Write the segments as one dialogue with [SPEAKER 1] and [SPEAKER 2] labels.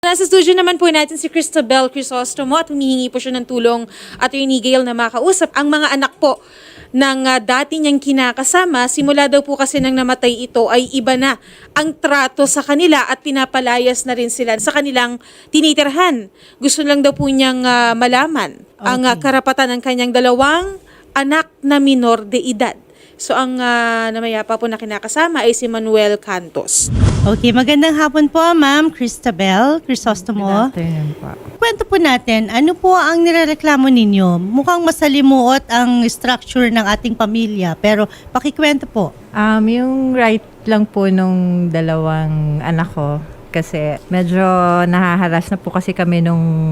[SPEAKER 1] Nasa studio naman po natin si Cristabel Crisostomo at humihingi po siya ng tulong Attorney Gail na makausap ang mga anak po ng dati niyang kinakasama. Simula daw po kasi nang namatay ito ay iba na ang trato sa kanila at pinapalayas na rin sila sa kanilang tinitirhan. Gusto lang daw po niyang malaman ang karapatan ng kanyang dalawang anak na minor de edad. So ang namayapa po na kinakasama ay si Manuel Cantos.
[SPEAKER 2] Okay, magandang hapon po, Ma'am Cristabel Crisostomo.
[SPEAKER 3] Good afternoon po.
[SPEAKER 2] Kwento po natin, ano po ang nirereklamo ninyo? Mukhang masalimuot ang structure ng ating pamilya, pero pakikwento po.
[SPEAKER 3] Yung right lang po nung dalawang anak ko, kasi medyo nahaharas na po kasi kami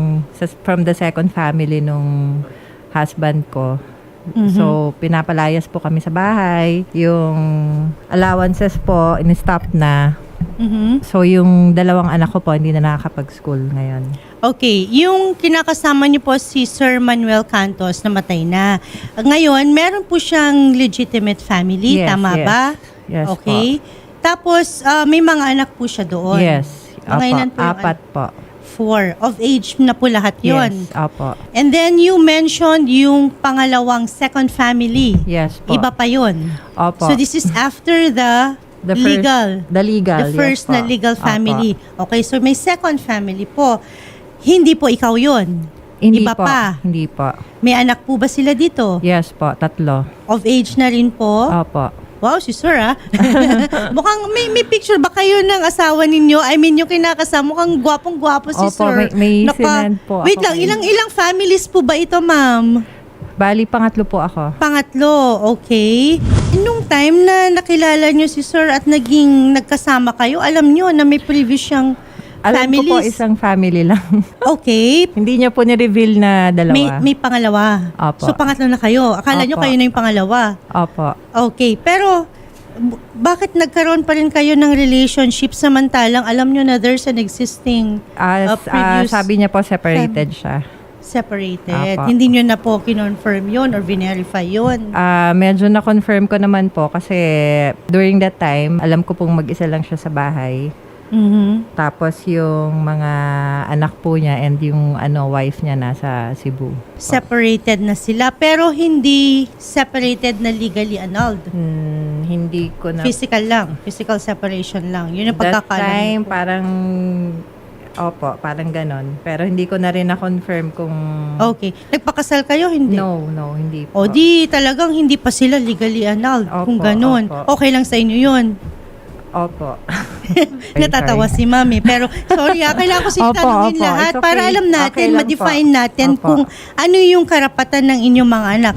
[SPEAKER 3] from the second family nung husband ko. So, pinapalayas po kami sa bahay. Yung allowances po, in-stop na. So, yung dalawang anak ko po, hindi na nakakapag-school ngayon.
[SPEAKER 2] Okay, yung kinakasama niyo po si Sir Manuel Cantos, namatay na. Ngayon, meron po siyang legitimate family,
[SPEAKER 3] Yes,
[SPEAKER 2] tama
[SPEAKER 3] yes.
[SPEAKER 2] ba?
[SPEAKER 3] Yes
[SPEAKER 2] Okay. Tapos, may mga anak po siya doon.
[SPEAKER 3] Yes.
[SPEAKER 2] Mga ilan po yung
[SPEAKER 3] Apat po.
[SPEAKER 2] 4. Of age na po lahat yon.
[SPEAKER 3] Yes, opo.
[SPEAKER 2] And then you mentioned yung pangalawang second family.
[SPEAKER 3] Yes po.
[SPEAKER 2] Iba pa yon.
[SPEAKER 3] Opo.
[SPEAKER 2] So this is after the legal.
[SPEAKER 3] The legal,
[SPEAKER 2] The first
[SPEAKER 3] yes
[SPEAKER 2] na
[SPEAKER 3] po.
[SPEAKER 2] legal
[SPEAKER 3] Opo.
[SPEAKER 2] family. Okay, so may second family po. Hindi po ikaw yon.
[SPEAKER 3] Hindi
[SPEAKER 2] Iba
[SPEAKER 3] po.
[SPEAKER 2] pa.
[SPEAKER 3] Hindi po.
[SPEAKER 2] May anak po ba sila dito?
[SPEAKER 3] Yes po, 3.
[SPEAKER 2] Of age na rin po?
[SPEAKER 3] Opo.
[SPEAKER 2] Wow, si Sir mukhang may picture ba kayo ng asawa ninyo? I mean, yung kinakasama, mukhang gwapong-gwapo si
[SPEAKER 3] Opo,
[SPEAKER 2] Sir.
[SPEAKER 3] may sinend po
[SPEAKER 2] Wait
[SPEAKER 3] ako
[SPEAKER 2] lang,
[SPEAKER 3] kayo.
[SPEAKER 2] ilang families po ba ito, ma'am?
[SPEAKER 3] Bali, pangatlo po ako.
[SPEAKER 2] Pangatlo, okay. Nung time na nakilala nyo si Sir at nagkasama kayo, alam nyo na may previous siyang
[SPEAKER 3] Alam ko po
[SPEAKER 2] families.
[SPEAKER 3] isang family lang.
[SPEAKER 2] Okay.
[SPEAKER 3] Hindi niya po ni-reveal na dalawa.
[SPEAKER 2] May pangalawa.
[SPEAKER 3] Opo.
[SPEAKER 2] So, pangatlo na kayo. Akala nyo
[SPEAKER 3] Opo.
[SPEAKER 2] kayo na yung pangalawa.
[SPEAKER 3] Opo.
[SPEAKER 2] Okay. Pero, bakit nagkaroon pa rin kayo ng relationship samantalang alam nyo na there's an existing previous
[SPEAKER 3] Sabi niya po separated siya.
[SPEAKER 2] separated?
[SPEAKER 3] Opo.
[SPEAKER 2] Hindi nyo na po kinonfirm yun or verify yun?
[SPEAKER 3] Medyo na-confirm ko naman po kasi during that time, alam ko pong mag-isa lang siya sa bahay. Tapos yung mga anak po niya and yung wife niya nasa Cebu.
[SPEAKER 2] Separated na sila pero hindi separated na legally annulled.
[SPEAKER 3] Hindi ko na...
[SPEAKER 2] Physical separation lang. Yun yung
[SPEAKER 3] That
[SPEAKER 2] pagkakalam.
[SPEAKER 3] time, parang ganon. Pero hindi ko na rin na-confirm kung...
[SPEAKER 2] Okay. Nagpakasal kayo? Hindi?
[SPEAKER 3] No, hindi po.
[SPEAKER 2] O di talagang hindi pa sila legally annulled.
[SPEAKER 3] Opo,
[SPEAKER 2] Kung ganon.
[SPEAKER 3] opo.
[SPEAKER 2] Okay lang sa inyo yun.
[SPEAKER 3] Opo.
[SPEAKER 2] Natatawa si Mami. Pero sorry kailangan ko siya
[SPEAKER 3] Opo,
[SPEAKER 2] tanungin
[SPEAKER 3] opo.
[SPEAKER 2] lahat
[SPEAKER 3] It's okay.
[SPEAKER 2] para alam natin,
[SPEAKER 3] Okay lang
[SPEAKER 2] ma-define
[SPEAKER 3] po.
[SPEAKER 2] natin
[SPEAKER 3] Opo.
[SPEAKER 2] kung ano yung karapatan ng inyong mga anak.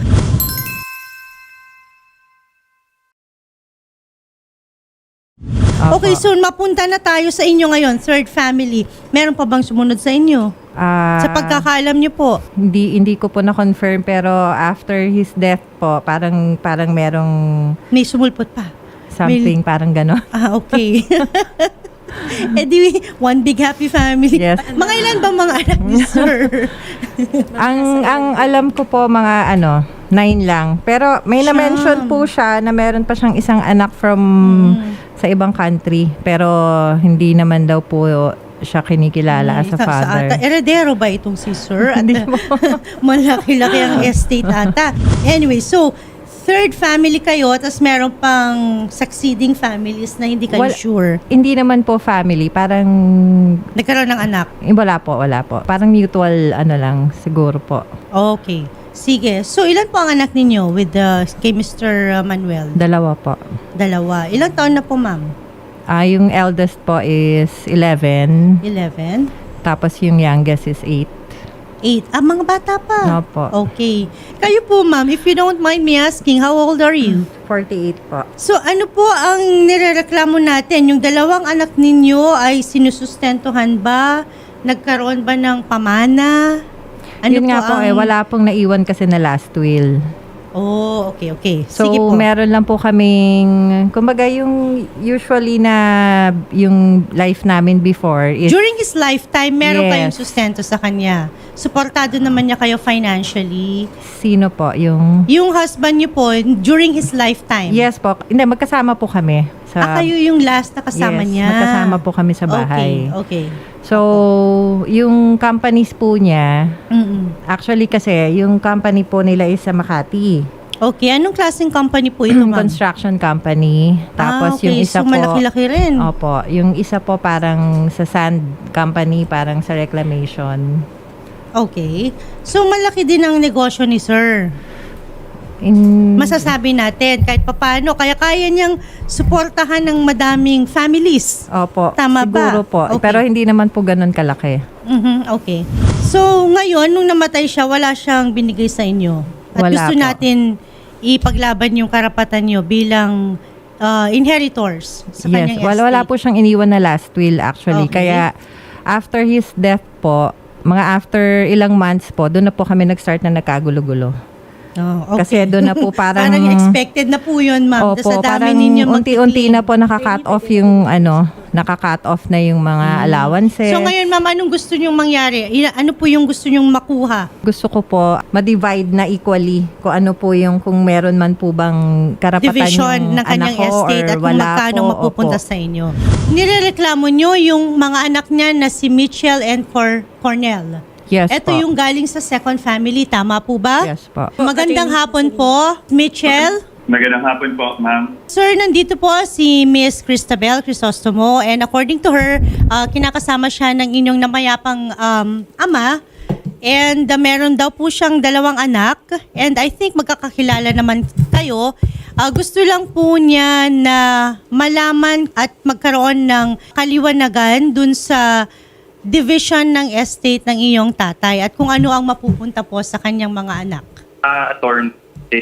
[SPEAKER 3] Opo.
[SPEAKER 2] Okay, so mapunta na tayo sa inyo ngayon, third family. Meron pa bang sumunod sa inyo? Sa pagkakaalam niyo po.
[SPEAKER 3] Hindi ko po na-confirm pero after his death po, parang merong
[SPEAKER 2] May sumulpot pa.
[SPEAKER 3] something parang gano'n.
[SPEAKER 2] Okay. Eh di, one big happy family.
[SPEAKER 3] Yes.
[SPEAKER 2] Mga ilan ba mga anak ni Sir?
[SPEAKER 3] ang alam ko po mga 9 lang. Pero may na-mention po siya na meron pa siyang isang anak from sa ibang country. Pero hindi naman daw po siya kinikilala as a father.
[SPEAKER 2] Heredero ba itong si Sir? At
[SPEAKER 3] Hindi po.
[SPEAKER 2] malaki-laki ang estate ata. Anyway, so, third family kayo, tapos meron pang succeeding families na hindi kayo sure.
[SPEAKER 3] Hindi naman po family. Parang
[SPEAKER 2] Nagkaroon ng anak.
[SPEAKER 3] wala po. Parang mutual lang siguro po.
[SPEAKER 2] Okay. Sige. So, ilan po ang anak ninyo with kay Mr. Manuel?
[SPEAKER 3] 2 po.
[SPEAKER 2] 2. Ilang taon na po, ma'am?
[SPEAKER 3] Yung eldest po is 11.
[SPEAKER 2] 11?
[SPEAKER 3] Tapos yung youngest is 8.
[SPEAKER 2] 8. Mga bata pa.
[SPEAKER 3] Opo.
[SPEAKER 2] Okay. Kayo po, ma'am, if you don't mind me asking, how old are you?
[SPEAKER 3] 48 po.
[SPEAKER 2] So, ano po ang nirereklamo natin? Yung dalawang anak ninyo ay sinusustentuhan ba? Nagkaroon ba ng pamana? Ano
[SPEAKER 3] Yun nga po wala pong naiwan kasi na last will.
[SPEAKER 2] Oh, okay.
[SPEAKER 3] So,
[SPEAKER 2] Sige po.
[SPEAKER 3] meron lang po kaming, kumbaga yung usually na yung life namin before is,
[SPEAKER 2] During his lifetime, meron
[SPEAKER 3] Yes.
[SPEAKER 2] kayong sustento sa kanya. Suportado naman niya kayo financially.
[SPEAKER 3] sino po? Yung,
[SPEAKER 2] Yung husband niyo po, during his lifetime.
[SPEAKER 3] yes po. Hindi, magkasama po kami.
[SPEAKER 2] Kayo yung last na kasama
[SPEAKER 3] yes,
[SPEAKER 2] niya.
[SPEAKER 3] magkasama po kami sa bahay.
[SPEAKER 2] Okay.
[SPEAKER 3] So, yung companies po niya,
[SPEAKER 2] Mm-mm.
[SPEAKER 3] actually kasi, yung company po nila is sa Makati.
[SPEAKER 2] Okay, anong klaseng company po ito, ma'am?
[SPEAKER 3] Construction company. Tapos
[SPEAKER 2] okay.
[SPEAKER 3] yung isa
[SPEAKER 2] So,
[SPEAKER 3] po...
[SPEAKER 2] malaki-laki rin.
[SPEAKER 3] Opo. Yung isa po parang sa sand company, parang sa reclamation.
[SPEAKER 2] Okay. So, malaki din ang negosyo ni sir.
[SPEAKER 3] In,
[SPEAKER 2] Masasabi natin, kahit papano, kaya niyang suportahan ng madaming families.
[SPEAKER 3] opo.
[SPEAKER 2] Tama ba?
[SPEAKER 3] Siguro po.
[SPEAKER 2] Okay.
[SPEAKER 3] Pero hindi naman po ganun kalaki.
[SPEAKER 2] Okay. So, ngayon, nung namatay siya, wala siyang binigay sa inyo. At
[SPEAKER 3] Wala
[SPEAKER 2] gusto
[SPEAKER 3] po.
[SPEAKER 2] natin ipaglaban yung karapatan niyo bilang inheritors sa
[SPEAKER 3] Yes.
[SPEAKER 2] kanyang
[SPEAKER 3] Wala
[SPEAKER 2] estate.
[SPEAKER 3] po siyang iniwan na last will actually.
[SPEAKER 2] Okay.
[SPEAKER 3] Kaya after his death po, mga after ilang months po, doon na po kami nag-start na nagkagulo-gulo.
[SPEAKER 2] Oh,
[SPEAKER 3] Kasi doon na po parang...
[SPEAKER 2] Parang expected na po yun, ma'am.
[SPEAKER 3] Opo,
[SPEAKER 2] Sa dami
[SPEAKER 3] parang
[SPEAKER 2] ninyo
[SPEAKER 3] unti-unti na po naka-cut off yung naka-cut off na yung mga allowances.
[SPEAKER 2] So ngayon, ma'am, anong gusto nyong mangyari? Ano po yung gusto nyong makuha?
[SPEAKER 3] Gusto ko po ma-divide na equally kung ano po yung kung meron man po bang karapatan
[SPEAKER 2] Division
[SPEAKER 3] yung
[SPEAKER 2] ng kanyang
[SPEAKER 3] anak ko
[SPEAKER 2] estate
[SPEAKER 3] or
[SPEAKER 2] at kung
[SPEAKER 3] wala
[SPEAKER 2] magkano
[SPEAKER 3] po.
[SPEAKER 2] mapupunta
[SPEAKER 3] Opo.
[SPEAKER 2] sa inyo. Nirereklamo nyo yung mga anak niya na si Mitchell and Cornell.
[SPEAKER 3] Yes
[SPEAKER 2] Ito
[SPEAKER 3] po.
[SPEAKER 2] yung galing sa second family, tama po ba?
[SPEAKER 3] Yes po.
[SPEAKER 2] Magandang hapon po, Mitchell.
[SPEAKER 4] Magandang hapon po, ma'am.
[SPEAKER 2] Sir, nandito po si Miss Cristabel Crisostomo and according to her, kinakasama siya ng inyong namayapang ama and meron daw po siyang 2 anak and I think magkakakilala naman kayo. Gusto lang po niya na malaman at magkaroon ng kaliwanagan dun sa division ng estate ng iyong tatay at kung ano ang mapupunta po sa kanyang mga anak.
[SPEAKER 4] Attorney,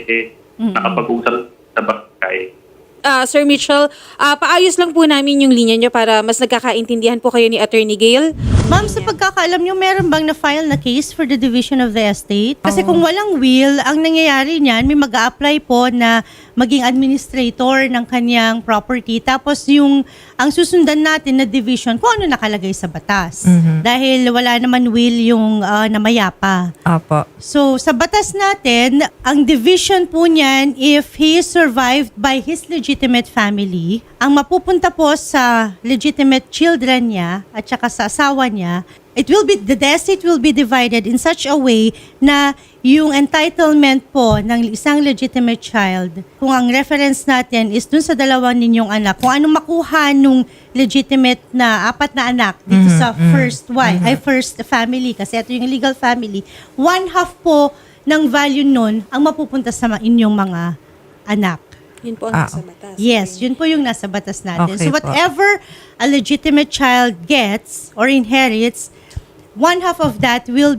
[SPEAKER 4] nakapag-usap sa barangay.
[SPEAKER 1] Sir Mitchell, paayos lang po namin yung linya nyo para mas nagkakaintindihan po kayo ni Attorney Gail.
[SPEAKER 2] Ma'am, sa pagkakaalam nyo, meron bang na-file na case for the division of the estate? Kasi kung walang will, ang nangyayari niyan, may mag-a-apply po na maging administrator ng kanyang property. Tapos ang susundan natin na division, kung ano nakalagay sa batas. Dahil wala naman will yung namayapa.
[SPEAKER 3] Opo.
[SPEAKER 2] So, sa batas natin, ang division po niyan, if he is survived by his legitimate family, ang mapupunta po sa legitimate children niya at saka sa asawa niya, the estate will be divided in such a way na yung entitlement po ng isang legitimate child, kung ang reference natin is dun sa 2 ninyong anak, kung anong makuha nung legitimate na 4 na anak dito sa first wife, ay first family, kasi ito yung legal family, 1/2 po ng value nun ang mapupunta sa inyong mga anak.
[SPEAKER 1] Yun po ang nasa batas.
[SPEAKER 2] Yes, yun po yung nasa batas natin.
[SPEAKER 3] Okay
[SPEAKER 2] So whatever a legitimate child gets or inherits, 1/2 of that will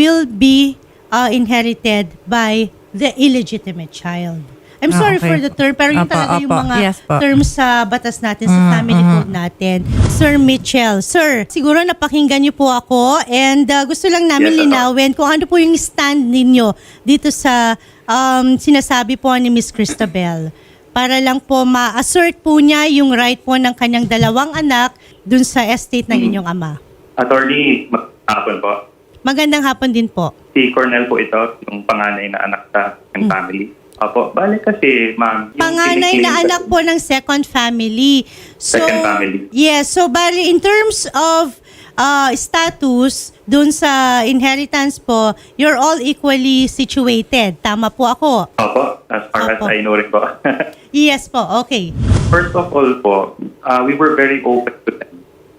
[SPEAKER 2] be inherited by the illegitimate child. I'm sorry
[SPEAKER 3] Okay
[SPEAKER 2] for the term, pero yun
[SPEAKER 3] Opo,
[SPEAKER 2] talaga yung
[SPEAKER 3] opo.
[SPEAKER 2] mga
[SPEAKER 3] Yes po.
[SPEAKER 2] terms sa batas natin, sa family code natin. Sir Mitchell, sir, siguro napakinggan niyo po ako and gusto lang namin
[SPEAKER 4] Yes,
[SPEAKER 2] linawin kung ano po yung stand ninyo dito sa sinasabi po ni Miss Cristabel. Para lang po ma-assert po niya yung right po ng kanyang 2 anak dun sa estate ng inyong ama.
[SPEAKER 4] Attorney, hapon po.
[SPEAKER 2] Magandang hapon din po.
[SPEAKER 4] Si Cornel po ito, yung panganay na anak sa aking family. Opo, bale kasi, ma'am. yung
[SPEAKER 2] Panganay na
[SPEAKER 4] kiniklaim
[SPEAKER 2] anak po ng second family. So,
[SPEAKER 4] Second family.
[SPEAKER 2] Yes, so bali in terms of status dun sa inheritance po, you're all equally situated. Tama po ako?
[SPEAKER 4] Opo, as far as
[SPEAKER 2] Opo.
[SPEAKER 4] I know rin po.
[SPEAKER 2] Yes po, okay.
[SPEAKER 4] First of all po, we were very open to them.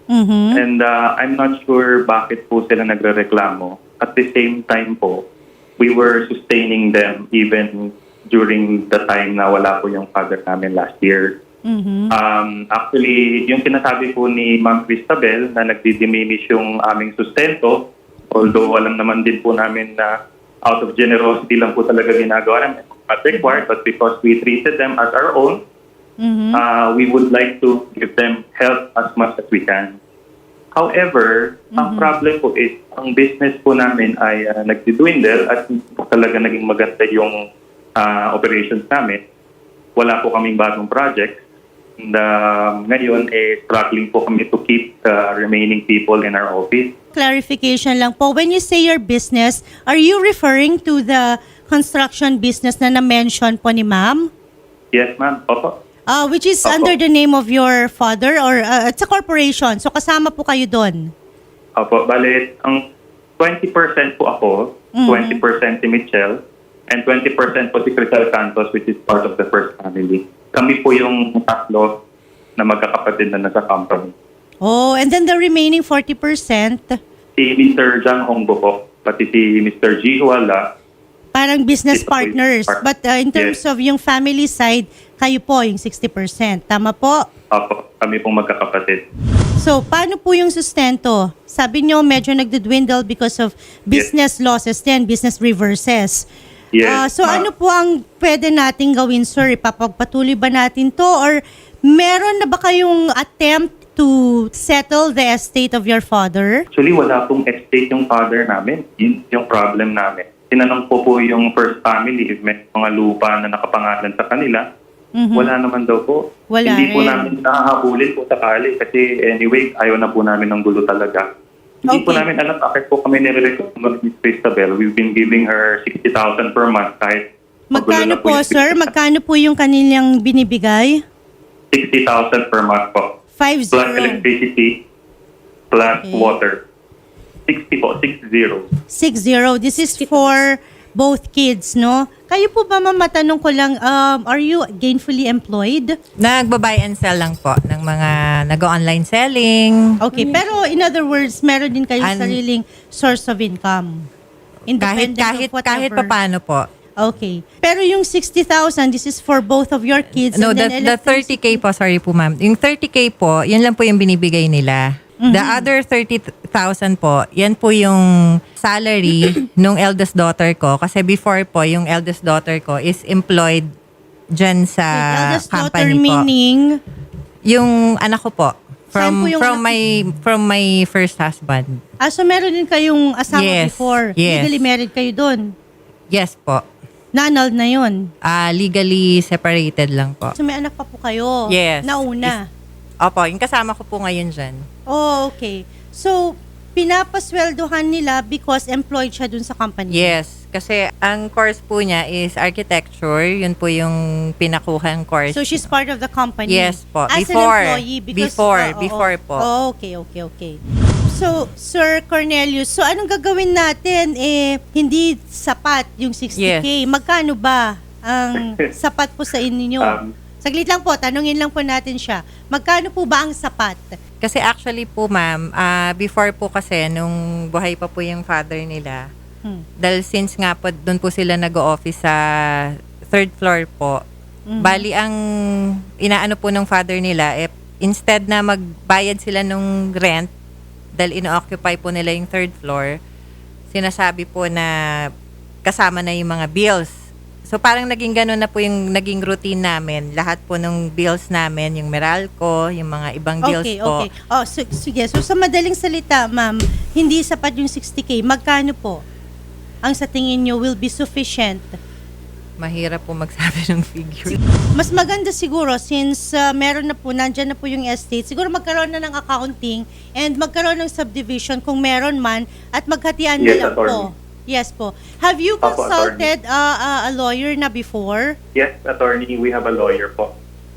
[SPEAKER 4] And I'm not sure bakit po sila nagrereklamo. At the same time po, we were sustaining them even during the time na wala po yung father namin last year. Actually, yung sinasabi po ni Ma'am Cristabel na nagdi-diminish yung aming sustento, although alam naman din po namin na out of generosity lang po talaga ginagawa namin, not required, but because we treated them as our own, we would like to give them help as much as we can. However, ang problem po is, ang business po namin ay nagdidwindle at hindi po talaga naging maganda yung operations namin. Wala po kaming bagong project. And ngayon, struggling po kami to keep the remaining people in our office.
[SPEAKER 2] Clarification lang po. When you say your business, are you referring to the construction business na na-mention po ni ma'am?
[SPEAKER 4] Yes, ma'am. Opo.
[SPEAKER 2] Which is
[SPEAKER 4] Opo.
[SPEAKER 2] under the name of your father or it's a corporation. So kasama po kayo doon.
[SPEAKER 4] Opo, bale, ang 20% po ako, 20% si Michelle, and 20% po si Crisel Santos, which is part of the first family. Kami po yung tatlo na magkakapatid na nasa company.
[SPEAKER 2] Oh, and then the remaining 40%,
[SPEAKER 4] Si Mr. Jang Hongbo po, pati si Mr. Ji Huala,
[SPEAKER 2] parang business
[SPEAKER 4] Ito po yung
[SPEAKER 2] partners.
[SPEAKER 4] part-
[SPEAKER 2] But in terms
[SPEAKER 4] Yes.
[SPEAKER 2] of yung family side, kayo po yung 60%. Tama po?
[SPEAKER 4] opo, kami pong magkakapatid.
[SPEAKER 2] So, paano po yung sustento? Sabi nyo, medyo nagdudwindle because of business losses din, business reverses.
[SPEAKER 4] Yes,
[SPEAKER 2] So,
[SPEAKER 4] ma'am.
[SPEAKER 2] ano po ang pwede nating gawin, sir? Ipapagpatuloy ba natin to? Or meron na ba kayong attempt to settle the estate of your father?
[SPEAKER 4] Actually, wala pong estate yung father namin. Yun yung problem namin. Tinanong po yung first family if may mga lupa na nakapangalan sa kanila. Wala naman daw po.
[SPEAKER 2] Wala
[SPEAKER 4] Hindi po
[SPEAKER 2] rin.
[SPEAKER 4] namin nakahabulin po sakali kasi anyway, ayaw na po namin ng gulo talaga. Hindi po
[SPEAKER 2] Okay.
[SPEAKER 4] namin alam bakit po kami nirecommend ni Cristabel. We've been giving her 60,000 per month kahit magulo
[SPEAKER 2] Magkano
[SPEAKER 4] na
[SPEAKER 2] po,
[SPEAKER 4] yung
[SPEAKER 2] sir?
[SPEAKER 4] business.
[SPEAKER 2] Magkano po yung kanilang binibigay?
[SPEAKER 4] 60,000 per month po.
[SPEAKER 2] 50.
[SPEAKER 4] Plus electricity, plus
[SPEAKER 2] Okay.
[SPEAKER 4] water. 60 po, 60.
[SPEAKER 2] 60. This is for both kids, no? Kayo po ba, ma'am, matanong ko lang, are you gainfully employed?
[SPEAKER 3] Nagba-buy and sell lang po ng mga nag-online selling.
[SPEAKER 2] Okay, pero in other words, meron din kayong
[SPEAKER 3] An-
[SPEAKER 2] sariling source of income.
[SPEAKER 3] Kahit
[SPEAKER 2] whatever.
[SPEAKER 3] papaano po.
[SPEAKER 2] Okay. Pero yung 60,000, this is for both of your kids.
[SPEAKER 3] No,
[SPEAKER 2] and then
[SPEAKER 3] the 30K po, sorry po ma'am. Yung 30K po, yan lang po yung binibigay nila. The other 30,000 po, yan po yung salary nung eldest daughter ko. Kasi before po, yung eldest daughter ko is employed dyan sa
[SPEAKER 2] Wait, eldest daughter
[SPEAKER 3] company po.
[SPEAKER 2] meaning,
[SPEAKER 3] Yung anak ko po.
[SPEAKER 2] Saan po yung
[SPEAKER 3] From my first husband.
[SPEAKER 2] so meron din kayong asawa
[SPEAKER 3] Yes,
[SPEAKER 2] before.
[SPEAKER 3] yes.
[SPEAKER 2] Legally married kayo doon.
[SPEAKER 3] Yes po.
[SPEAKER 2] Na-annulled na yun.
[SPEAKER 3] Legally separated lang po.
[SPEAKER 2] So may anak pa po kayo.
[SPEAKER 3] Yes.
[SPEAKER 2] Nauna.
[SPEAKER 3] Opo, yung kasama ko po ngayon dyan.
[SPEAKER 2] Oh, okay. So, pinapasweldohan nila because employed siya dun sa company.
[SPEAKER 3] Yes, kasi ang course po niya is architecture. Yun po yung pinakuhang course.
[SPEAKER 2] So, she's part of the company?
[SPEAKER 3] Yes po.
[SPEAKER 2] As
[SPEAKER 3] Before.
[SPEAKER 2] an employee? Because,
[SPEAKER 3] Before po.
[SPEAKER 2] Oh, okay. So, Sir Cornelius, so anong gagawin natin? Hindi sapat yung 60K.
[SPEAKER 3] Yes.
[SPEAKER 2] Magkano ba ang sapat po sa inyo? Saglit lang po, tanungin lang po natin siya. Magkano po ba ang sapat?
[SPEAKER 3] Kasi actually po ma'am, before po kasi nung buhay pa po yung father nila, dahil since nga po doon po sila nag-o-office sa third floor po, bali ang inaano po ng father nila, instead na magbayad sila nung rent, dahil ino-occupy po nila yung third floor, sinasabi po na kasama na yung mga bills. So parang naging ganun na po yung naging routine namin. Lahat po ng bills namin, yung Meralco, yung mga ibang bills po.
[SPEAKER 2] Okay. Oh, sige. So, sa madaling salita, ma'am, hindi sapat yung 60K. Magkano po ang sa tingin nyo will be sufficient?
[SPEAKER 3] Mahirap po magsabi ng figure.
[SPEAKER 2] Mas maganda siguro since meron na po, nandyan na po yung estate, siguro magkaroon na ng accounting and magkaroon ng subdivision kung meron man at maghatian na
[SPEAKER 4] Yes,
[SPEAKER 2] lang po.
[SPEAKER 4] attorney.
[SPEAKER 2] Yes po. Have you
[SPEAKER 4] Opo,
[SPEAKER 2] consulted a lawyer na before?
[SPEAKER 4] Yes, attorney, we have a lawyer po.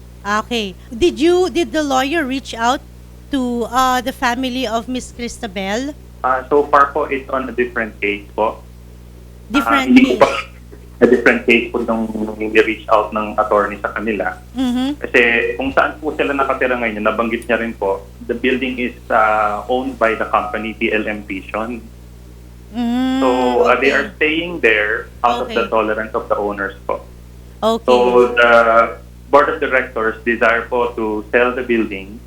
[SPEAKER 2] Okay. Did the lawyer reach out to the family of Miss Cristabel?
[SPEAKER 4] So far po, it's on a different case po.
[SPEAKER 2] Different
[SPEAKER 4] Hindi
[SPEAKER 2] case.
[SPEAKER 4] po pa a different case po nung hindi reach out ng attorney sa kanila.
[SPEAKER 2] Mhm.
[SPEAKER 4] Kasi kung saan po sila nakatira ngayon, nabanggit niya rin po, the building is owned by the company PLM Vision.
[SPEAKER 2] Mm,
[SPEAKER 4] So
[SPEAKER 2] okay.
[SPEAKER 4] they are staying there out of
[SPEAKER 2] Okay.
[SPEAKER 4] the tolerance of the owners po.
[SPEAKER 2] Okay.
[SPEAKER 4] So the board of directors desire po to sell the building.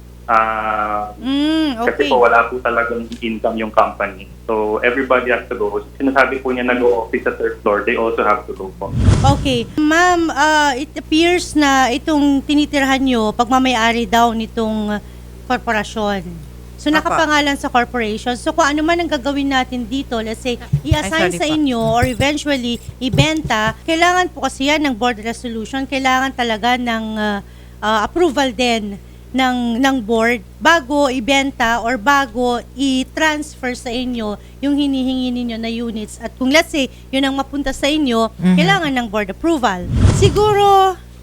[SPEAKER 4] Kasi
[SPEAKER 2] Okay.
[SPEAKER 4] po wala po talagang income yung company. So everybody has to go. Sinasabi po niya nag-o-office sa third floor, they also have to go po.
[SPEAKER 2] Okay. Ma'am, it appears na itong tinitirhan nyo, pagmamayari daw nitong korporasyon. So,
[SPEAKER 3] Apa.
[SPEAKER 2] nakapangalan sa corporation. So, kung ano man ang gagawin natin dito, let's say, i-assign
[SPEAKER 3] sorry
[SPEAKER 2] sa
[SPEAKER 3] po.
[SPEAKER 2] inyo or eventually ibenta, kailangan po kasi yan ng board resolution, kailangan talaga ng approval din ng board bago ibenta or bago i-transfer sa inyo yung hinihingi ninyo na units. At kung let's say, yun ang mapunta sa inyo, kailangan ng board approval. Siguro,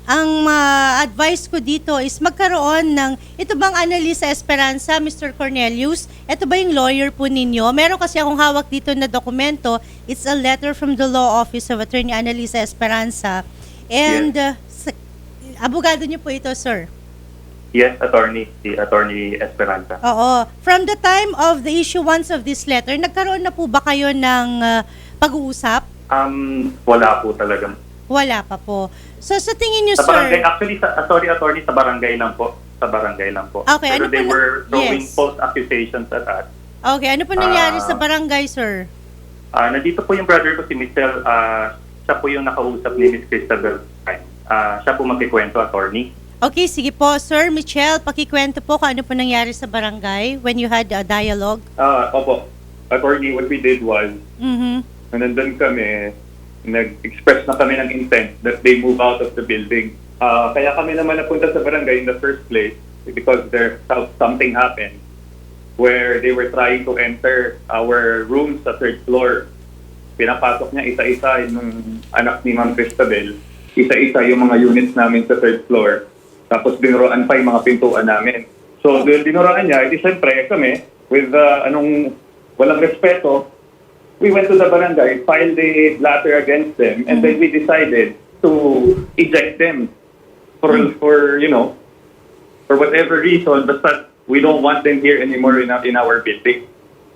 [SPEAKER 2] ang advice ko dito is magkaroon ng, ito bang Annalisa Esperanza, Mr. Cornelius? Ito ba yung lawyer po ninyo? Meron kasi akong hawak dito na dokumento. It's a letter from the law office of Attorney Annalisa Esperanza. And abogado niyo po ito, sir?
[SPEAKER 4] Yes, attorney. Si Attorney Esperanza.
[SPEAKER 2] Oo. From the time of the issuance of this letter, nagkaroon na po ba kayo ng pag-uusap?
[SPEAKER 4] Wala po talaga.
[SPEAKER 2] Wala pa po. So sa tingin niyo,
[SPEAKER 4] Sa barangay,
[SPEAKER 2] sir?
[SPEAKER 4] actually, attorney, sa barangay lang po. Sa barangay lang po.
[SPEAKER 2] Okay,
[SPEAKER 4] Pero
[SPEAKER 2] ano
[SPEAKER 4] they
[SPEAKER 2] po
[SPEAKER 4] were throwing
[SPEAKER 2] yes.
[SPEAKER 4] false accusations at us.
[SPEAKER 2] Okay, ano po nangyari sa barangay, sir?
[SPEAKER 4] Nandito po yung brother ko, si Michelle. Siya po yung nakausap ni Miss Cristabel. Siya po magkikwento, attorney.
[SPEAKER 2] Okay, sige po. Sir Michelle, pakikwento po kung ano po nangyari sa barangay when you had a dialogue.
[SPEAKER 5] Opo. Attorney, what we did was,
[SPEAKER 2] Mm-hmm.
[SPEAKER 5] nandun kami, nag-express na kami ng intent that they move out of the building. Kaya kami naman napunta sa barangay in the first place because something happened where they were trying to enter our room sa third floor. Pinapasok niya isa-isa yung anak ni Ma'am Cristabel, isa-isa yung mga units namin sa third floor. Tapos binuroan pa yung mga pintuan namin. So, dahil binuroan niya, edi syempre kami, with walang respeto, we went to the barangay, filed a blatter against them, and then we decided to eject them for whatever reason, but we don't want them here anymore in our building.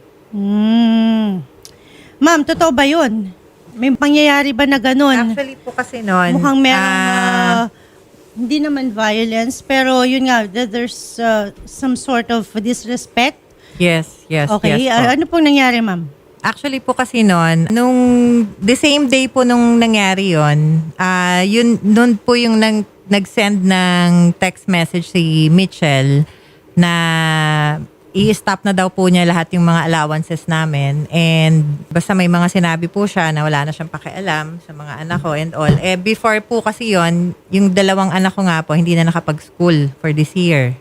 [SPEAKER 2] Ma'am, totoo ba yun? May pangyayari ba na ganun?
[SPEAKER 3] Actually po kasi noon,
[SPEAKER 2] Mukhang merong hindi naman violence, pero yun nga, there's some sort of disrespect.
[SPEAKER 3] yes,
[SPEAKER 2] Okay,
[SPEAKER 3] yes po.
[SPEAKER 2] ano pong nangyari, ma'am?
[SPEAKER 3] Actually po kasi nung the same day po nung nangyari noon po yung nag-send ng text message si Mitchell na i-stop na daw po niya lahat yung mga allowances namin, and basta may mga sinabi po siya na wala na siyang pakialam sa mga anak ko and all. Before po kasi yung dalawang anak ko nga po hindi na nakapag-school for this year.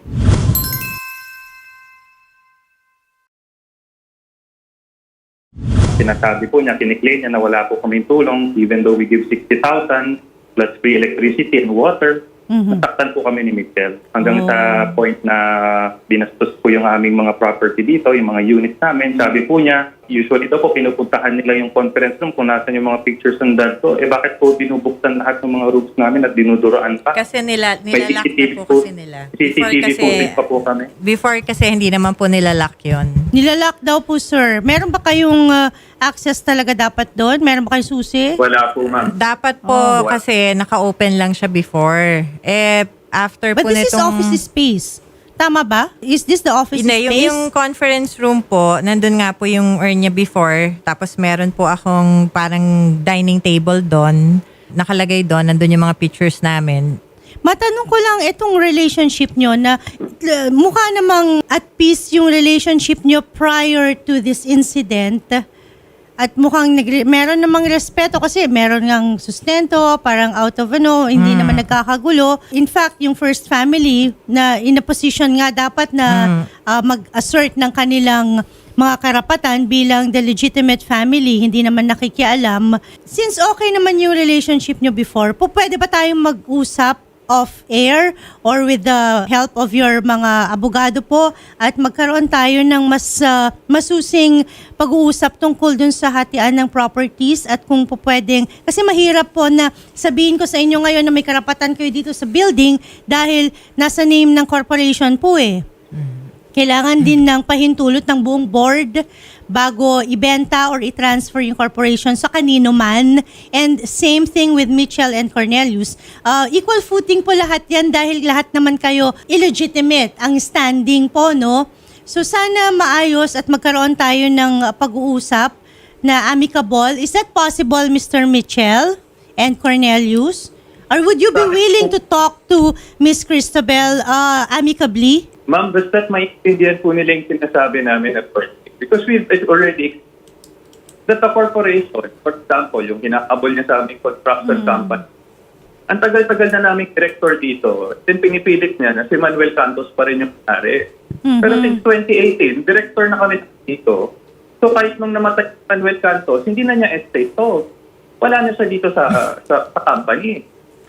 [SPEAKER 4] Sinasabi po niya, kiniklaim niya na wala po kaming tulong even though we give 60,000 plus free electricity and water. Nasaktan po kami ni Michelle hanggang sa point na binastos po yung aming mga property dito, yung mga units namin. Sabi po niya, usually ito po pinupuntahan nila yung conference room kung nasan yung mga pictures ng dad ko. Bakit po binubuksan lahat ng mga rooms namin at dinuduraan pa?
[SPEAKER 3] Kasi nilalak
[SPEAKER 4] May
[SPEAKER 3] na
[SPEAKER 4] CCTV
[SPEAKER 3] po kasi nila.
[SPEAKER 4] CCTV footage pa po kami.
[SPEAKER 3] Before kasi hindi naman po nilalak yun.
[SPEAKER 2] Nilalak daw po, sir. Meron ba kayong access talaga dapat doon? Meron ba kayong susi?
[SPEAKER 4] Wala po, ma'am.
[SPEAKER 3] Dapat po kasi naka-open lang siya before. After
[SPEAKER 2] But
[SPEAKER 3] po
[SPEAKER 2] this is office space. Tama ba? Is this the office
[SPEAKER 3] Hindi,
[SPEAKER 2] space?
[SPEAKER 3] yung conference room po, nandun nga po yung urn niya before. Tapos meron po akong parang dining table doon. Nakalagay doon, nandun yung mga pictures namin.
[SPEAKER 2] Matanong ko lang itong relationship nyo na mukha namang at peace yung relationship nyo prior to this incident. At mukhang meron namang respeto kasi meron ngang sustento, parang out of hindi naman nagkakagulo. In fact, yung first family na in a position nga dapat na mag-assert ng kanilang mga karapatan bilang the legitimate family, hindi naman nakikialam. Since okay naman yung relationship nyo before, pwede ba tayong mag-usap off-air or with the help of your mga abogado po at magkaroon tayo ng mas masusing pag-uusap tungkol dun sa hatian ng properties at kung po pwedeng, kasi mahirap po na sabihin ko sa inyo ngayon na may karapatan kayo dito sa building dahil nasa name ng corporation po eh. Kailangan din ng pahintulot ng buong board bago ibenta or i-transfer yung corporation sa kanino man. And same thing with Mitchell and Cornelius. Equal footing po lahat yan dahil lahat naman kayo illegitimate ang standing po, no? So sana maayos at magkaroon tayo ng pag-uusap na amicable. Is that possible, Mr. Mitchell and Cornelius? Or would you be willing to talk to Miss Cristabel amicably?
[SPEAKER 5] Ma'am, basta't maintindihan po nila yung sinasabi namin at first. Because we've already that the corporation, for example, yung hinakabol niya sa aming construction company, ang tagal-tagal na naming director dito, then pinipilit niya na si Manuel Cantos pa rin yung pare. Pero since 2018, director na kami dito. So kahit nung namatay si Manuel Cantos, hindi na niya estate to. Wala na siya dito sa company.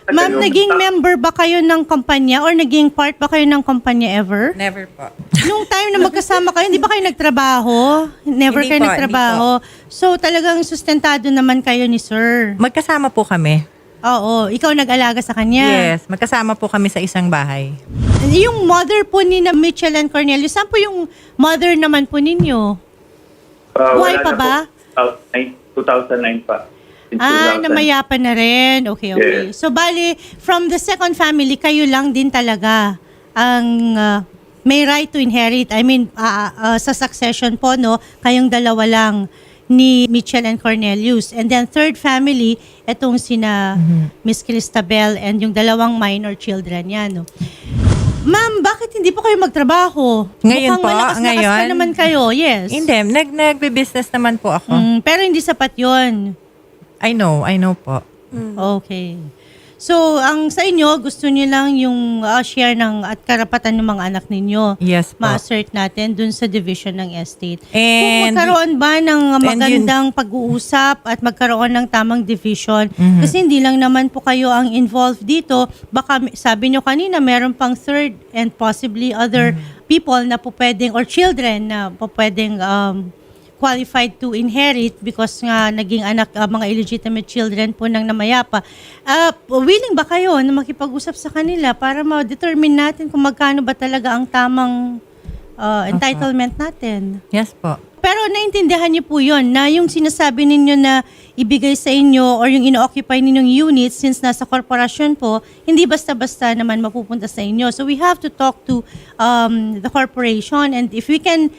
[SPEAKER 2] Ma'am, naging member ba kayo ng kumpanya or naging part ba kayo ng kumpanya ever?
[SPEAKER 3] Never po.
[SPEAKER 2] Nung time na magkasama kayo, hindi ba kayo nagtrabaho? Never
[SPEAKER 3] Hindi
[SPEAKER 2] kayo
[SPEAKER 3] po,
[SPEAKER 2] nagtrabaho. So talagang sustentado naman kayo ni sir.
[SPEAKER 3] Magkasama po kami.
[SPEAKER 2] Oo, ikaw nag-alaga sa kanya.
[SPEAKER 3] Yes, magkasama po kami sa isang bahay.
[SPEAKER 2] Yung mother po ni na Mitchell and Cornelius, saan po yung mother naman po ninyo? Buhay
[SPEAKER 5] Wala
[SPEAKER 2] pa
[SPEAKER 5] na
[SPEAKER 2] ba?
[SPEAKER 5] po. 2009 pa. Since 2000.
[SPEAKER 2] Namayapan na rin. Okay.
[SPEAKER 5] Yes.
[SPEAKER 2] So, bali, from the second family, kayo lang din talaga ang may right to inherit. I mean, sa succession po, no, kayong dalawa lang ni Mitchell and Cornelius. And then third family, etong sina Miss Cristabel and yung dalawang minor children yan, no. Ma'am, bakit hindi po kayo magtrabaho?
[SPEAKER 3] Ngayon
[SPEAKER 2] Mukhang
[SPEAKER 3] po,
[SPEAKER 2] malakas-lakas pa
[SPEAKER 3] ngayon?
[SPEAKER 2] naman kayo, yes.
[SPEAKER 3] Hindi, nagbe-business naman po ako.
[SPEAKER 2] Pero hindi sapat yon.
[SPEAKER 3] I know po.
[SPEAKER 2] Okay. So, ang sa inyo, gusto niyo lang yung share ng at karapatan ng mga anak ninyo.
[SPEAKER 3] Yes po.
[SPEAKER 2] Ma-assert natin dun sa division ng estate. Kung
[SPEAKER 3] And
[SPEAKER 2] magkaroon ba ng
[SPEAKER 3] and
[SPEAKER 2] magandang pag-uusap at magkaroon ng tamang division, kasi hindi lang naman po kayo ang involved dito, baka sabi nyo kanina, meron pang third and possibly other people na po pwedeng, or children na po pwedeng qualified to inherit because nga naging anak, mga illegitimate children po ng namayapa. Willing ba kayo na makipag-usap sa kanila para ma-determine natin kung magkano ba talaga ang tamang entitlement natin?
[SPEAKER 3] yes po.
[SPEAKER 2] Pero naintindihan niyo po yun, na yung sinasabi ninyo na ibigay sa inyo or yung ino-occupy ninyong units since nasa korporasyon po, hindi basta-basta naman mapupunta sa inyo. So we have to talk to the corporation, and if we can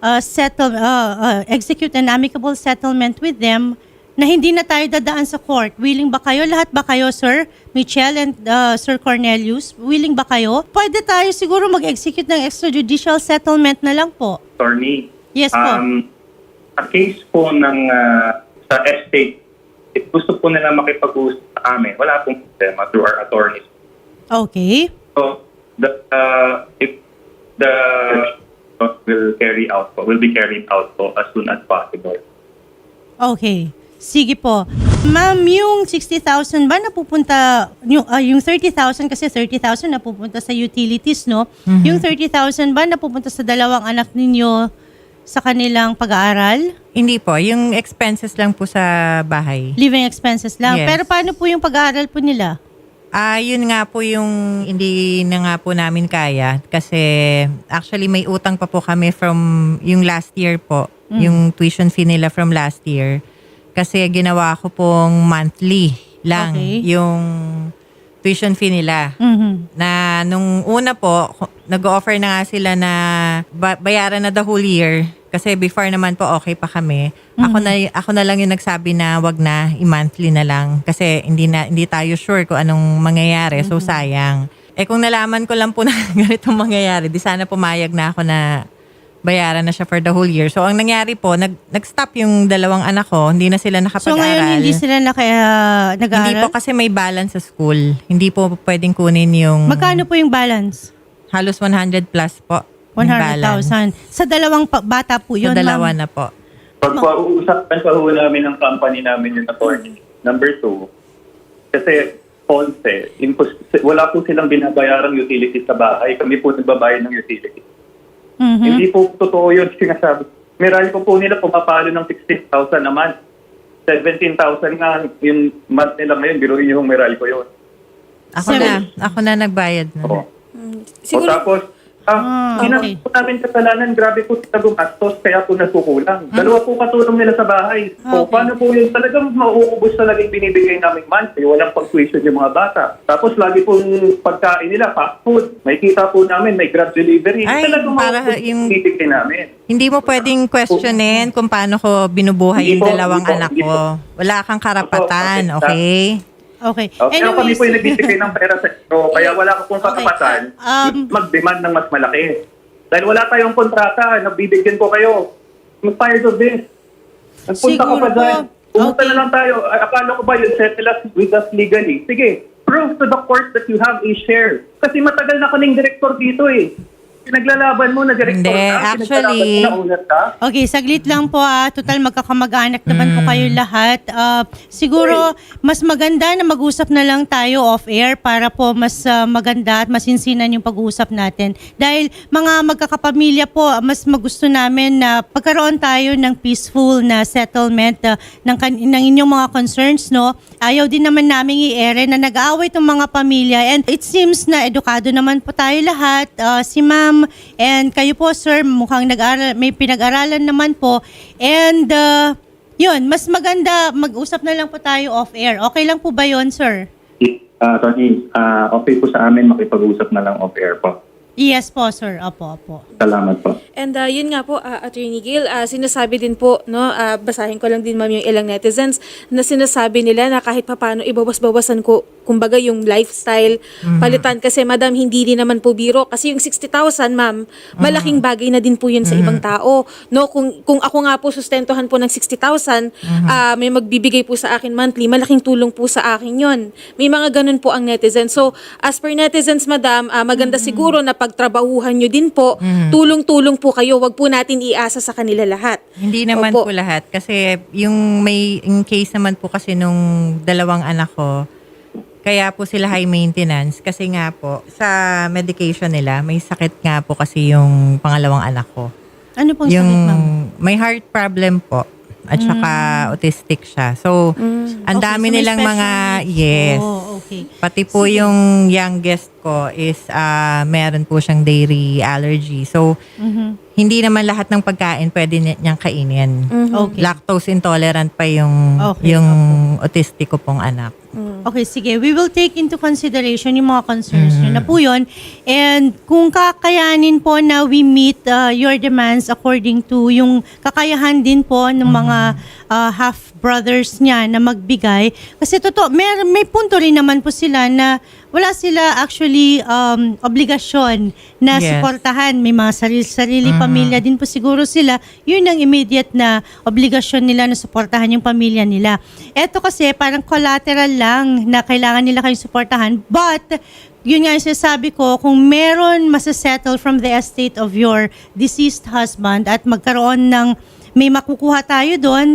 [SPEAKER 2] execute an amicable settlement with them na hindi na tayo dadaan sa court. Willing ba kayo? Lahat ba kayo, Sir Mitchell and Sir Cornelius? Willing ba kayo? Pwede tayo siguro mag-execute ng extrajudicial settlement na lang po.
[SPEAKER 5] Attorney,
[SPEAKER 2] Yes po.
[SPEAKER 5] a case po ng sa estate, if gusto po nila makipag-usap sa amin, wala pong problema through our attorneys.
[SPEAKER 2] Okay.
[SPEAKER 5] So, if the will be carried out po as soon as possible.
[SPEAKER 2] Okay. Sige po. Ma'am, yung 60,000 ba napupunta, yung 30,000 kasi 30,000 napupunta sa utilities, no? Yung 30,000 ba napupunta sa dalawang anak ninyo sa kanilang pag-aaral?
[SPEAKER 3] Hindi po, yung expenses lang po sa bahay.
[SPEAKER 2] Living expenses lang.
[SPEAKER 3] Yes.
[SPEAKER 2] Pero paano po yung pag-aaral po nila?
[SPEAKER 3] Yun nga po yung hindi na nga po namin kaya kasi actually may utang pa po kami from yung last year po, yung tuition fee nila from last year. Kasi ginawa ko pong monthly lang yung tuition fee nila. Na nung una po, nag-offer na nga sila na bayaran na the whole year. Kasi before naman po okay pa kami. Ako na lang yung nagsabi na wag na, i-monthly na lang. Kasi hindi tayo sure kung anong mangyayari. So sayang. Kung nalaman ko lang po na ganitong mangyayari, di sana pumayag na ako na bayaran na siya for the whole year. So ang nangyari po, nag-stop yung dalawang anak ko. Hindi na sila nakapag-aral.
[SPEAKER 2] So ngayon hindi sila nag-aaral?
[SPEAKER 3] Hindi po kasi may balance sa school. Hindi po pwedeng kunin yung...
[SPEAKER 2] Magkano po yung balance?
[SPEAKER 3] Halos 100 plus po.
[SPEAKER 2] 100,000. Sa dalawang bata po yun,
[SPEAKER 3] Sa dalawa
[SPEAKER 2] ma'am.
[SPEAKER 3] na po.
[SPEAKER 5] Pag-uusapan pa ho namin ng company namin yung attorney. Number 2, kasi Ponce, wala po silang binabayarang utilities sa bahay. Kami po nagbabayad ng utilities. Hindi po totoo yun sinasabi. Meral po nila pumapalo ng 16,000 a month. 17,000 nga yung month nila ngayon. Biruin yung meral ko yun.
[SPEAKER 3] Ako na nagbayad na.
[SPEAKER 5] Oo.
[SPEAKER 1] Siguro,
[SPEAKER 5] O tapos,
[SPEAKER 2] okay.
[SPEAKER 5] po namin kasalanan, grabe po sila gumastos, kaya po nasukulang. Dalawa po katulong nila sa bahay. O paano po yun? Talagang mauubos talaga yung binibigay namin monthly. Walang pag-tuition yung mga bata. Tapos lagi pong pagkain nila, fast food. May kita po namin, may grab delivery.
[SPEAKER 3] Ay,
[SPEAKER 5] Talagang
[SPEAKER 3] para
[SPEAKER 5] mauubos yung binibigay namin.
[SPEAKER 3] Hindi mo pwedeng questionin kung paano ko binubuhay
[SPEAKER 5] Hindi
[SPEAKER 3] yung
[SPEAKER 5] po,
[SPEAKER 3] dalawang
[SPEAKER 5] hindi po,
[SPEAKER 3] anak
[SPEAKER 5] hindi
[SPEAKER 3] ko. Wala kang karapatan,
[SPEAKER 5] Opo,
[SPEAKER 3] okay?
[SPEAKER 2] Okay.
[SPEAKER 5] Pero kami po yung nagbibigay ng pera sa inyo. Kaya wala ka pong katapatan, mag-demand ng mas malaki. Dahil wala tayong kontrata, nagbibigyan ko kayo. I'm tired of this. Nagpunta ka
[SPEAKER 2] Siguro
[SPEAKER 5] pa dyan.
[SPEAKER 2] po.
[SPEAKER 5] Pumunta
[SPEAKER 2] Okay.
[SPEAKER 5] na lang tayo. Akala ko ba yun, settle us with us legally. Sige, prove to the court that you have a share. Kasi matagal na kaming director dito eh. Pinaglalaban mo, nag-record
[SPEAKER 3] Hindi,
[SPEAKER 5] ka?
[SPEAKER 3] actually-
[SPEAKER 5] Pinaglalaban mo, naulat ka?
[SPEAKER 2] Okay, saglit lang po Total magkakamag-anak naman po kayo lahat. Siguro mas maganda na mag-usap na lang tayo off-air para po mas maganda at masinsinan yung pag-uusap natin. Dahil mga magkakapamilya po, mas magusto namin na pagkaroon tayo ng peaceful na settlement ng inyong mga concerns, no? Ayaw din naman namin i-ere na nag-aaway itong mga pamilya, and it seems na edukado naman po tayo lahat. Si ma'am and kayo po, sir, mukhang may pinag-aralan naman po. And yun, mas maganda mag-usap na lang po tayo off-air. Okay lang po ba yun, sir?
[SPEAKER 4] Tony, okay po sa amin makipag-usap na lang off-air po.
[SPEAKER 2] Yes po, sir. Opo.
[SPEAKER 4] Salamat po.
[SPEAKER 1] And yun nga po, Attorney Gail, sinasabi din po, no, basahin ko lang din ma'am yung ilang netizens na sinasabi nila na kahit papaano ibawas-bawasan ko, kumbaga yung lifestyle, palitan kasi madam, hindi din naman po biro. Kasi yung 60,000 ma'am, malaking bagay na din po yun sa ibang tao. No, kung ako nga po sustentuhan po ng 60,000, may magbibigay po sa akin monthly, malaking tulong po sa akin yun. May mga ganun po ang netizens. So, as per netizens, madam, maganda siguro na pagtrabahuhan nyo din po, tulong-tulong po kayo, wag po natin iasa sa kanila lahat.
[SPEAKER 3] Hindi naman
[SPEAKER 1] Opo.
[SPEAKER 3] po lahat. Kasi yung case naman po kasi nung dalawang anak ko, kaya po sila high maintenance. Kasi nga po, sa medication nila, may sakit nga po kasi yung pangalawang anak ko.
[SPEAKER 2] Ano pong
[SPEAKER 3] Yung
[SPEAKER 2] sakit, ma'am?
[SPEAKER 3] may heart problem po. At saka autistic siya. So, ang
[SPEAKER 2] Okay,
[SPEAKER 3] dami
[SPEAKER 2] so may
[SPEAKER 3] nilang
[SPEAKER 2] special
[SPEAKER 3] mga,
[SPEAKER 2] needs.
[SPEAKER 3] yes.
[SPEAKER 2] Oh, okay.
[SPEAKER 3] Pati po yung youngest ko is meron po siyang dairy allergy. So, hindi naman lahat ng pagkain pwede niyang kainin.
[SPEAKER 2] Okay.
[SPEAKER 3] Lactose intolerant pa yung
[SPEAKER 2] Okay,
[SPEAKER 3] yung autistic ko pong anak.
[SPEAKER 2] Okay, sige. We will take into consideration yung mga concerns nyo na po yun. And kung kakayanin po na we meet your demands according to yung kakayahan din po ng mga half-brothers niya na magbigay. Kasi totoo, may punto rin naman po sila na wala sila actually obligasyon na
[SPEAKER 3] Yes.
[SPEAKER 2] suportahan. May mga sarili pamilya din po siguro sila. Yun ang immediate na obligasyon nila na suportahan yung pamilya nila. Eto kasi parang collateral lang na kailangan nila kayong suportahan. But, yun nga yung sinasabi ko, kung meron masasettle from the estate of your deceased husband at magkaroon ng, may makukuha tayo doon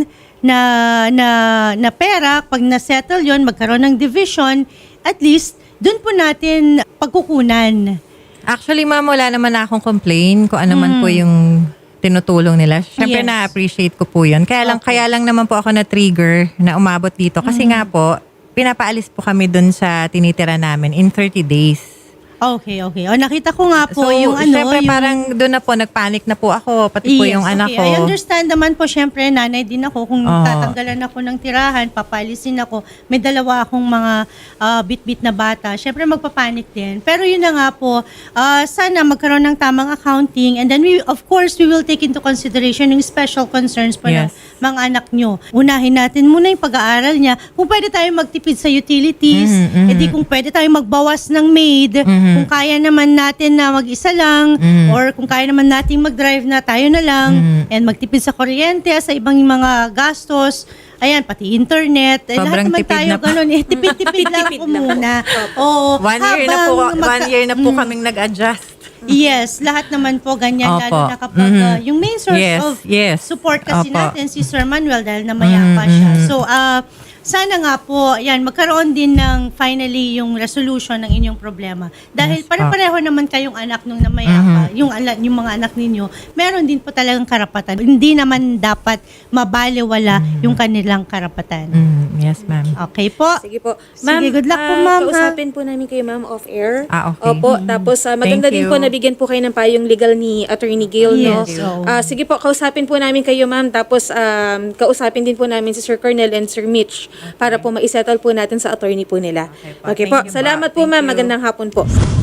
[SPEAKER 2] na pera, pag na-settle yun, magkaroon ng division, at least, doon po natin pagkukunan.
[SPEAKER 3] Actually, ma'am, wala naman na akong complain kung ano man po yung tinutulong nila. Siyempre,
[SPEAKER 2] Yes.
[SPEAKER 3] na-appreciate ko po yun. Kaya lang naman po ako na-trigger na umabot dito. Kasi nga po, pinapaalis po kami dun sa tinitira namin in 30 days.
[SPEAKER 2] Okay. O, nakita ko nga po
[SPEAKER 3] So,
[SPEAKER 2] yung
[SPEAKER 3] syempre,
[SPEAKER 2] yung...
[SPEAKER 3] parang doon na po, nagpanic na po ako, pati po
[SPEAKER 2] Yes,
[SPEAKER 3] yung anak
[SPEAKER 2] okay.
[SPEAKER 3] ko.
[SPEAKER 2] I understand naman po, syempre, nanay din ako. Kung
[SPEAKER 3] Oo.
[SPEAKER 2] tatanggalan ako ng tirahan, papalisin ako. May dalawa akong mga bit-bit na bata. Syempre, magpapanik din. Pero yun na nga po, sana magkaroon ng tamang accounting. And then, of course, we will take into consideration yung special concerns po ng
[SPEAKER 3] Yes.
[SPEAKER 2] mga anak nyo. Unahin natin muna yung pag-aaral niya. Kung pwede tayo magtipid sa utilities, edi kung pwede tayo magbawas ng maid, kung kaya naman natin na mag-isa lang, or kung kaya naman natin mag-drive na tayo na lang, and magtipid sa kuryente, sa ibang mga gastos, ayan, pati internet, lahat
[SPEAKER 3] Sobrang
[SPEAKER 2] naman
[SPEAKER 3] tipid
[SPEAKER 2] tayo
[SPEAKER 3] na po.
[SPEAKER 2] ganun, tipid-tipid lang po muna. Oo,
[SPEAKER 3] 1 year na po kaming nag-adjust.
[SPEAKER 2] Yes, lahat naman po ganyan,
[SPEAKER 3] Opo.
[SPEAKER 2] lalo na kapag yung main source
[SPEAKER 3] Yes,
[SPEAKER 2] of
[SPEAKER 3] yes.
[SPEAKER 2] support kasi
[SPEAKER 3] Opo.
[SPEAKER 2] natin si Sir Manuel dahil namayapa siya. So, sana nga po, yan, magkaroon din ng finally yung resolution ng inyong problema. Dahil
[SPEAKER 3] Yes,
[SPEAKER 2] pare-pareho naman kayong anak nung namayapa, yung mga anak ninyo, meron din po talagang karapatan. Hindi naman dapat mabaliwala yung kanilang karapatan.
[SPEAKER 3] Yes, ma'am.
[SPEAKER 2] Okay po.
[SPEAKER 1] Sige po.
[SPEAKER 2] Sige, good luck po, ma'am, ha?
[SPEAKER 1] Kausapin po namin kayo, ma'am, off-air.
[SPEAKER 3] Okay.
[SPEAKER 1] Opo, tapos maganda
[SPEAKER 3] Thank
[SPEAKER 1] din
[SPEAKER 3] you.
[SPEAKER 1] po nabigyan po kayo ng payong legal ni Attorney Gail, no?
[SPEAKER 2] Yes, oo.
[SPEAKER 1] Sige po, kausapin po namin kayo, ma'am. Tapos kausapin din po namin si Sir Cornel and Sir Mitch para po ma-settle po natin sa attorney po nila.
[SPEAKER 3] Okay po.
[SPEAKER 1] Okay po.
[SPEAKER 3] Thank you po.
[SPEAKER 1] Salamat po,
[SPEAKER 3] Thank
[SPEAKER 1] ma'am.
[SPEAKER 3] you.
[SPEAKER 1] Magandang hapon po.